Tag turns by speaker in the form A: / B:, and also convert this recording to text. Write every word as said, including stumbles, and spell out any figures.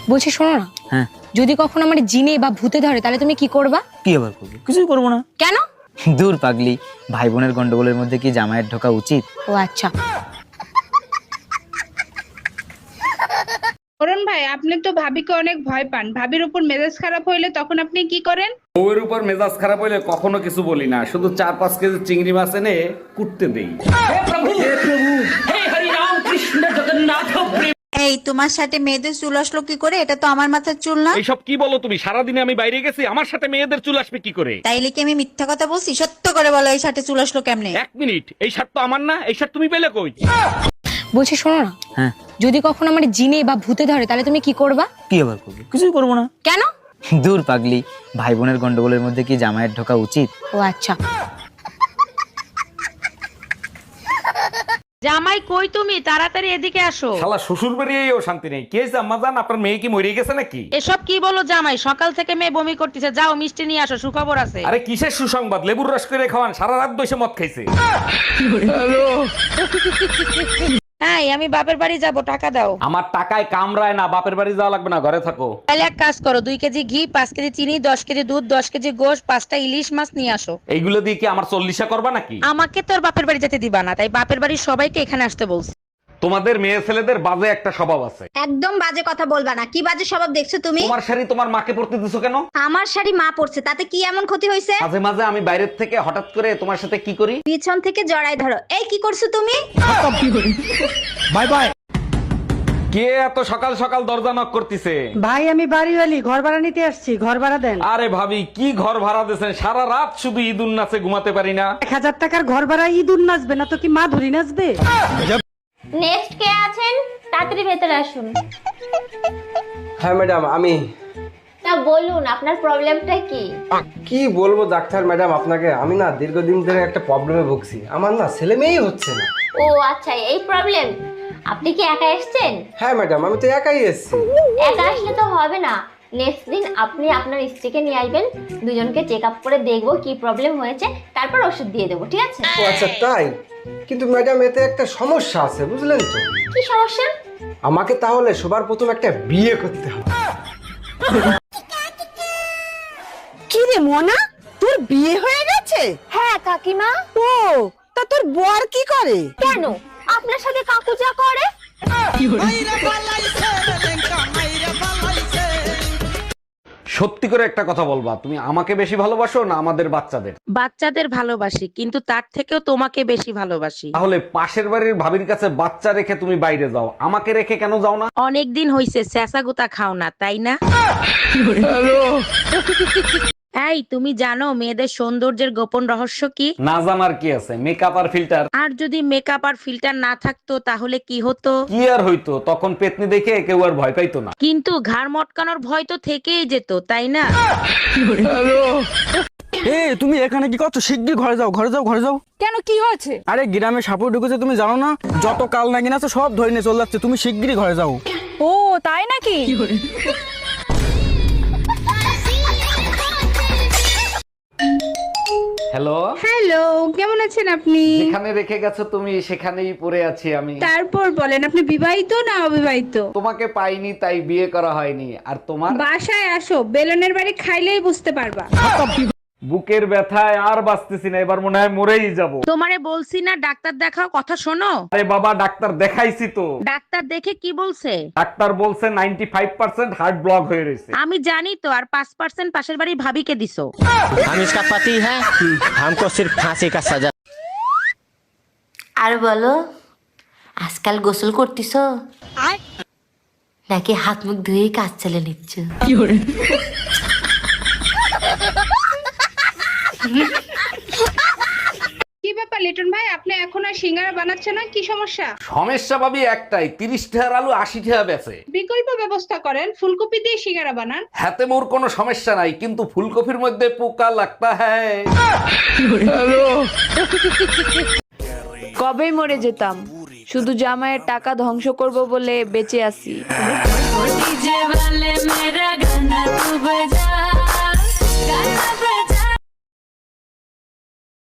A: বলছি শোনো না,
B: হ্যাঁ
A: যদি কখনো আমার জিনে বা ভূতে ধরে তাহলে তুমি কি করবা?
B: কি আবার করবো? কিছুই করবো না।
A: কেন?
B: দূর পাগলি, ভাই বোনের গন্ডগোলের মধ্যে কি জামাইয়ের ঢোকা উচিত?
A: ও আচ্ছা।
C: অরুণ ভাই, আপনি তো ভাবিকে অনেক ভয় পান। ভাবির উপর মেজাজ খারাপ হইলে তখন আপনি কি করেন?
D: বউয়ের উপর মেজাজ খারাপ হইলে কখনো কিছু বলি না, শুধু চার পাঁচ কেজি চিংড়ি মাছ এনে কুটতে দেই।
E: এই তোমার সাথে মেয়েদের চুল আসলো কি করে? এটা তো আমার মাথার চুল না।
D: এইসব কি বলো তুমি? সারাদিনে আমি বাইরে গেছি, আমার সাথে মেয়েদের চুল আসবে কি করে?
E: তাইলে কি আমি মিথ্যা কথা বলছি? সত্য করে বলো, এই সাথে চুল আসলো কেমনে?
D: এক মিনিট, এই শার্ট তো আমার না, এই শার্ট তুমি পেলে কই?
A: বলছি শোনো না,
B: হ্যাঁ
A: যদি কখনো আমার জিনে বা ভূতে ধরে তাহলে তুমি কি করবা?
B: কি আবার করবো? কিছুই করবো না।
A: কেন?
B: দূর পাগলি, ভাই বোনের গন্ডগোলের মধ্যে কি জামাইয়ের ঢোকা উচিত?
A: ও আচ্ছা।
F: জামাই কই তুমি? তাড়াতাড়ি এদিকে আসো।
D: শালা শ্বশুর বাড়িয়েও শান্তি নেই। কে আম্মা জান, আপনার মেয়ে কি মরে গেছে নাকি?
F: এসব কি বলো জামাই? সকাল থেকে মেয়ে বমি করতেছে, যাও মিষ্টি নিয়ে আসো, সুখবর আছে।
D: আরে কিসের সুসংবাদ? লেবুর রস করে খাওয়ান, সারা রাত বসে মদ খাইছে।
F: হ্যাঁ, আমি বাপের বাড়ি যাব, টাকা দাও।
D: আমার টাকায় কামড়ায় না, বাপের বাড়ি যাওয়া লাগবে না, ঘরে থাকো।
F: তাহলে এক কাজ করো, দুই কেজি ঘি, পাঁচ কেজি চিনি, দশ কেজি দুধ, দশ কেজি গোশ, পাঁচটা ইলিশ মাছ নিয়ে আসো।
D: এইগুলো দিয়ে কি আমার চল্লিশা করবা নাকি?
F: আমাকে তোর বাপের বাড়ি যেতে দিবা না, তাই বাপের বাড়ির সবাইকে এখানে আসতে বলছি।
D: তোমাদের মেয়ে ছেলেদের বাজে একটা স্বভাব আছে।
G: একদম বাজে কথা বলবা না। কি বাজে স্বভাব দেখছো তুমি?
D: তোমার শাড়ি তোমার মাকে পরতে দিছো কেন?
G: আমার শাড়ি মা পরছে, তাতে কি এমন ক্ষতি হয়েছে?
D: মাঝে মাঝে আমি বাইরের থেকে হঠাৎ করে তোমার সাথে কি করি?
G: পিছন থেকে জড়াই ধরো। এই কি করছো তুমি?
D: Bye bye. কে এত সকাল সকাল দরজা নক করতেছে?
H: ভাই আমি বাড়িওয়ালি, ঘর ভাড়া নিতে আসছি, ঘর ভাড়া দেন।
D: আরে ভাবি, কি ঘর ভাড়া দিয়েছেন? সারা রাত শুধু ঈদুন নাচে ঘুমাতে পারি না।
H: এক হাজার টাকার ঘর ভাড়া ইঁদুর নাচবে না তো কি মা ধরি নাচবে?
G: নেক্সট কে আছেন? তাড়াতাড়ি ভেতরে আসুন।
I: হ্যাঁ ম্যাডাম, আমি।
G: তা বলুন আপনার প্রবলেমটা কি?
I: কি বলবো ডাক্তার ম্যাডাম আপনাকে, আমি না দীর্ঘদিন ধরে একটা প্রবলেমে ভুগছি। আমার না ছেলে মেয়েই হচ্ছে না।
G: ও আচ্ছা, এই প্রবলেম। আপনি কি একা এসেছেন?
I: হ্যাঁ ম্যাডাম, আমি তো একাই এসেছি।
G: একা আসলে তো হবে না। নেক্সট দিন আপনি আপনার স্ত্রীকে নিয়ে আসবেন, দুজনকে চেক আপ করে দেখবো কি প্রবলেম হয়েছে, তারপর ওষুধ দিয়ে দেবো, ঠিক আছে?
I: ও আচ্ছা তাই? কিন্তু ম্যাডাম এতে একটা সমস্যা আছে, বুঝলেন তো?
G: কি সমস্যা?
I: আমাকে তাহলে সবার প্রথম একটা বিয়ে করতে হবে।
H: কি রে মোনা, তোর বিয়ে হয়ে গেছে?
G: হ্যাঁ কাকিমা।
H: ও তা তোর বর কি করে?
G: কেন? আপনার সাথে কাকু যা করে।
D: সত্যি করে একটা কথা বলবা, তুমি আমাকে বেশি ভালোবাসো না আমাদের বাচ্চাদের?
F: বাচ্চাদের ভালোবাসি, কিন্তু তার থেকেও তোমাকে বেশি ভালোবাসি।
D: তাহলে পাশের বাড়ির ভাবির কাছে বাচ্চা রেখে তুমি বাইরে যাও, আমাকে রেখে কেন যাও না?
F: অনেক দিন হইছে স্যাসা গুতা খাও না, তাই না? এই তুমি জানো মেয়েদের সৌন্দর্যের গোপন রহস্য কি?
D: না জানার কি আছে, মেকআপ আর ফিল্টার।
F: আর যদি মেকআপ আর ফিল্টার না থাকতো তাহলে কি হতো?
D: কি আর হইতো, তখন পেতনি দেখে কেউ আর ভয় পাইতো না।
F: কিন্তু ঘাড় মটকানোর ভয় তো থেকেই যেত, তাই না?
B: এ তুমি এখানে কি করছো? শিগগির ঘরে যাও, ঘরে যাও, ঘরে যাও।
H: কেন, কি হয়েছে?
B: আরে গ্রামে সাপুর ঢুকেছে, তুমি জানো না? যত কাল নাগিন আছে সব ধরে নিয়ে চলে যাচ্ছে, তুমি শিগগিরই ঘরে যাও।
H: ও তাই নাকি?
D: হ্যালো
C: হ্যালো, কেমন আছেন আপনি?
D: যেখানে রেখে গেছো তুমি সেখানেই পড়ে আছি আমি।
C: তারপর বলেন, আপনি বিবাহিত না অবিবাহিত?
D: তোমাকে পাইনি তাই বিয়ে করা হয়নি। আর তোমার?
C: বাসায় আসো, বেলনের বাড়ি খাইলেই বুঝতে পারবা।
D: বুকের ব্যথায় আর বাঁচতেছি না, এবার মনে হয় মরেই যাব।
F: তোমারে বলছি না ডাক্তার দেখাও, কথা শোনো।
D: আরে বাবা, ডাক্তার দেখাইছি তো।
F: ডাক্তার দেখে কি বলছে?
D: ডাক্তার বলছে ninety five percent heart block হয়ে রয়েছে।
F: আমি জানি তো, আর পাঁচ পার্সেন্ট পাশের বাড়ির ভাবিকে দিছো।
J: हम इसका पति है, हमको सिर्फ फांसी का सजा।
G: আর বলো, আজকাল গোসল করতেছো নাকি হাত মুখ ধুয়ে কাজ চালিয়ে নিচ্ছ?
C: কি ব্যাপার লিটন ভাই, আপনি এখন আর সিঙ্গারা বানাচ্ছেন না? কি সমস্যা?
D: সমস্যা ভাবি একটাই, তিরিশ টাকার আলু আশি টাকা বেচে।
C: বিকল্প ব্যবস্থা করেন, ফুলকপি দিয়ে সিঙ্গারা বানান।
D: হাতে মোর কোনো সমস্যা নাই, কিন্তু ফুলকপির মধ্যে পোকা লাগতা হ্যায়।
K: কবেই মরে যেতাম, শুধু জামাইয়ের টাকা ধ্বংস করব বলে বেঁচে আছি।